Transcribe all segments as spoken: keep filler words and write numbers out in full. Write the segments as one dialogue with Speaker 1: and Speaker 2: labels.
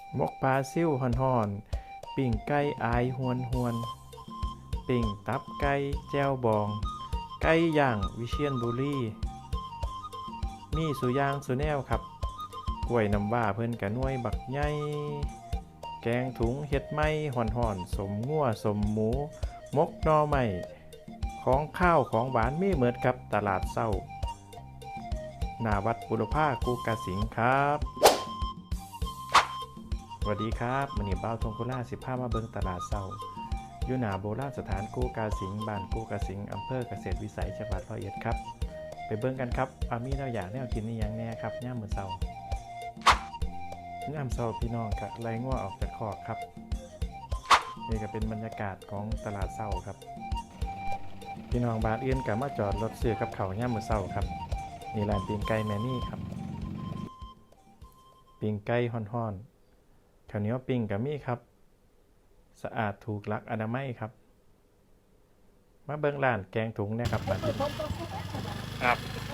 Speaker 1: มกปลาซิ่วห่อนๆปิ่งไก่อายหวนหวนปิ่งตับไก่แจ้วบองไก่ย่างวิเชียรบุรีมีสุย่างสุแนวครับกล้วยน้ำว้าเพิ่นกะน่วยบักใหญ่แกงถุงเฮ็ดไม้ห่อนๆสมงัวสมหมูมกหน่อไม้ของข้าวของหวานมีเหมือนกับตลาดเศร้าหน้าวัดบุรพากูกาสิงครับสวัสดีครับมื้อนี้บ่าวทงโคราชสิพามาเบิ่งตลาดเศร้าอยู่หน้าโบราณสถานกูกาสิงบ้านกูกาสิงอำเภอเกษตรวิสัยจังหวัดร้อยเอ็ดครับไปเบิ่งกันครับว่ามีแนวอย่างแนวกินอีหยังแน่ครับยามมื้อเช้ายามเช้าพี่น้องก็ไล่งัวออกจากคอกครับนี่ก็เป็นบรรยากาศของตลาดเช้าครับพี่น้องบ้านอื่นก็มาจอดรถซื้อกับข้าวยามมื้อเช้าครับนี่ร้านปิ้งไก่แม่นี่ครับปิ้งไก่ฮ้อนๆข้าวเหนียวปิ้งก็มีครับสะอาดถูกหลักอนามัยครับมาเบิ่งร้านแกงถุงนะครับบัดนี้ครับ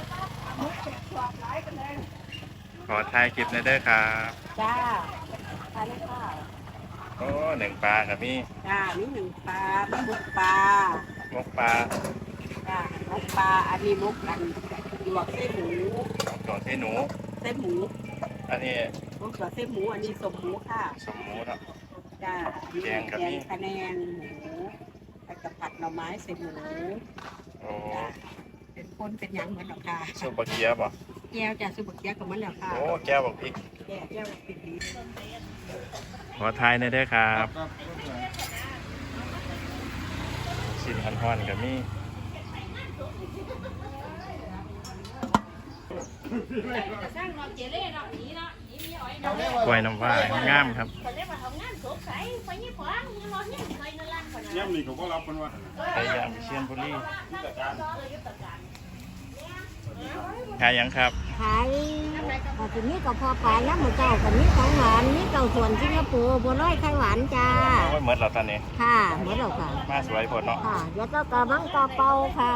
Speaker 1: ขอถ่ายคลิปหน่อยเด้อครับ
Speaker 2: จ้าทานเลยค่ะ
Speaker 1: โอ้หนึ่งปลาครับพี่
Speaker 2: จ้ามีหนึ่งปลามีมุกปลาม
Speaker 1: กปลา
Speaker 2: จ้ามุกปลาอันนี้มุกอันหยวกเส้นหมู
Speaker 1: ดอกเส้นหนู
Speaker 2: เส้นหมู
Speaker 1: อันนี้
Speaker 2: มุกหยวกเส้นหมูอันนี้สมหมูค่ะ
Speaker 1: สมหมูเนาะ
Speaker 2: จ้า
Speaker 1: แกงกับมี
Speaker 2: แกงคะแนนหมูไปกับผัดหน่อไม้ใส่หมู
Speaker 1: โอ้
Speaker 2: จ้าเป็นคนเป็นหยังเหมือนหรอกค่ะ
Speaker 1: ซุปบะเกียบบ่
Speaker 2: แก้วจ้าซุปเปอร์แก้วกับมันแล้วค่ะ
Speaker 1: โอ้แก้วบักพริก
Speaker 2: แก้วแก้วปิดดี
Speaker 1: ขอถ่ายหน่อยเด้อครับชิ้นฮ้อนๆกับมีกล้วยน้ำว้างามครับ
Speaker 3: ย่ำนี่เขาก็รับกันว่า
Speaker 1: ไก่ย่างวิเชียรบุรีขายหยังครับ
Speaker 4: ขายทีนี้ก็พอปลาแล้วหมูเจ้ากับนี้ของหวานนี่เก่าส่วนสิงคโปร์บัวลอยไข่หวานจ้า
Speaker 1: โอ้ยหมดแล้วตอนนี้
Speaker 4: ค่ะหมดแล้วค่ะ
Speaker 1: มาสวยพอเนาะ
Speaker 4: ค่ะเดี๋ยวก็กระบังกระเป๋าค่ะ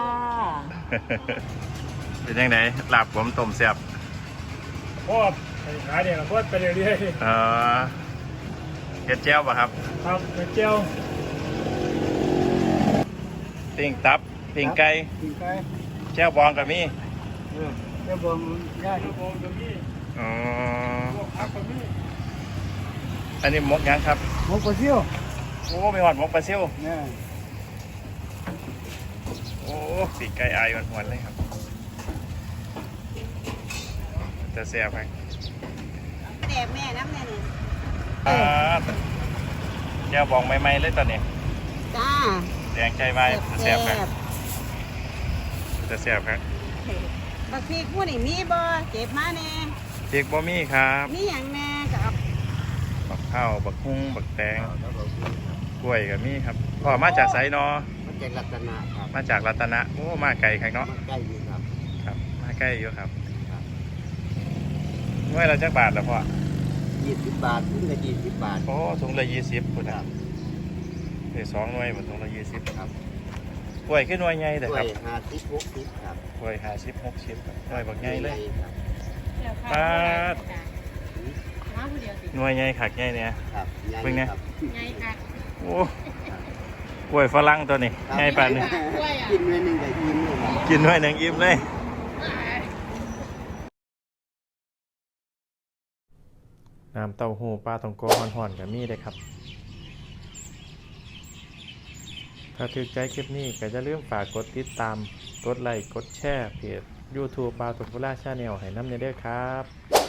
Speaker 1: เป็นยังไงลาบผมต้มแซ่บ
Speaker 3: พ่อขายเนี่ยพ่อไปเรื่อย
Speaker 1: เออเฮ็ดแจ่วป่ะครับ
Speaker 3: ๆครับไปเจียว
Speaker 1: ปิ้งตับปิ้งไก่
Speaker 3: กินไก่
Speaker 1: แจ่วบองกับมี
Speaker 3: เออเจ้าบองย่าเจ้าบองตรงนี้
Speaker 1: อ๋อ
Speaker 3: พวกพักตรงนี้
Speaker 1: อันนี้หมกหยังครับ
Speaker 3: หมูกระเทียม
Speaker 1: โอ้มีหอดหมกปลาซิว
Speaker 3: เนี่ย
Speaker 1: โอ้ปีกไก่อายหวานๆเลยครับจะแซ่บไหม
Speaker 2: แต่แม่น้ำแน่นี่
Speaker 1: อ่าแจ่วบองใหม่ๆเลยตอนนี้
Speaker 2: จ้า
Speaker 1: แดงใจไว้แซ่บครับจะแซ่บครับ
Speaker 2: บักพริกผู้นี่มีบ่เก็บมาแน่
Speaker 1: พริกบะหมี่ครับ
Speaker 2: มีอย่างแน่ก็เอา
Speaker 1: บักข้าวบักฮุ้งบักแตงกล้วยกับมีครับพ่อมาจากไสเนาะ
Speaker 5: มันเป็นลักษณะครับ
Speaker 1: มาจากรัตนะโอ้มาไกลครับเนาะ
Speaker 5: มันใกล้อยู่ครับ
Speaker 1: ครับมาใกล้อยู่ครับเมื่อเราจักบาทแล้วพ่อ
Speaker 5: ยี่สิบบาทถึงกับยี่สิบบาท
Speaker 1: โอ้ถุงละยี่สิบพุ่น
Speaker 5: ค
Speaker 1: ค
Speaker 5: รั
Speaker 1: รั
Speaker 5: บบ
Speaker 1: เดี๋ยวสองหน่วยมันถุงละยี่สิบ
Speaker 5: ครับ
Speaker 1: กล้วยขึ้นหน่วยใหญ่แต่
Speaker 5: ด้ว
Speaker 1: ครั
Speaker 5: ย
Speaker 1: บ
Speaker 5: ห้าสิบหกสิบครับ
Speaker 1: กล้วยห้าสิบหกสิบครับหน่วยบักใหญ่เลย
Speaker 5: ครับ
Speaker 1: ปาดหน่วยใหญ่ขักใหญ่เนี่ย
Speaker 5: ครับใหญ่
Speaker 1: เป็นไง
Speaker 5: ครับ
Speaker 2: ไงค่ะ
Speaker 1: โอ้กล้วยฝรั่งตัวนี้
Speaker 5: ครับ
Speaker 1: ใหญ่ปานนี้
Speaker 5: กินไว้หนึ่งกับอิ่มเลยครับ
Speaker 1: กินหน่วยหนึ่งอิ่มเลยน้ำเต้าหู้ปลาตองโกห่อนๆกับมีเลยครับถ้าถูกใจคลิปนี้ก็อย่าลืมฝากกดติดตามกดไลค์กดแชร์เพจ YouTube ปลาตองโกล่าชาแนลให้น้ำเนเด้อครับ